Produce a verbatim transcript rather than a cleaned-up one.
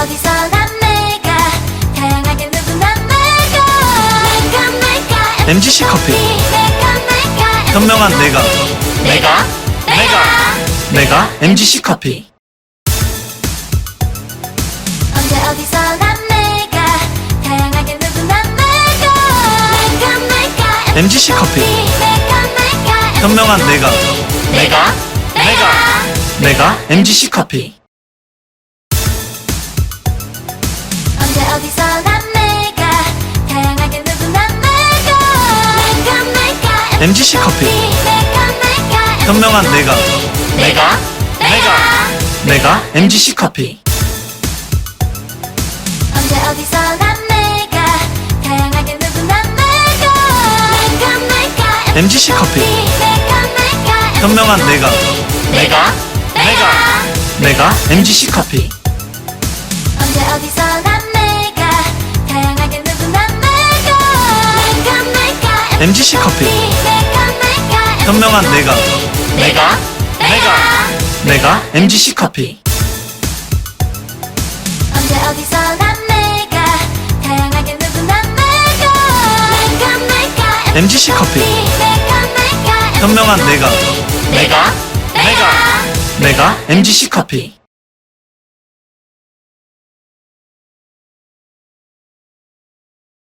어디서나 내가 다양하게 누구나 내가 내가 내가 엠지씨 커피. 내가 내가 현명한 내가. 내가 내가 내가 엠지씨 커피. 언제 어디서나 내가 다양하게 누구나 내가 내가 내가 엠지씨 커피. 내가 내가 현명한 내가. 내가 내가 내가 엠지씨 커피. 언제 어디서나 내가 다양하게 누구나 내가 내가 내가 엠지씨 커피. 내가 내가 현명한 내가. 내가 내가 내가 엠지씨 커피. 언제 어디서나 내가 다양하게 누구나 내가 내가 내가 엠지씨 커피. 내가 내가 현명한 내가. 내가 내가 내가 엠지씨 커피. 언제 어디서나 내가 다양하게 누구나 내가 내가 내가 엠지씨 커피. 내가 내가 현명한 내가. 내가 내가 내가 엠지씨 커피. 언제 어디서나 내가 다양하게 누구나 내가 내가 내가 엠지씨 커피. 내가 내가 현명한 내가. 내가 내가 내가 엠지씨 커피.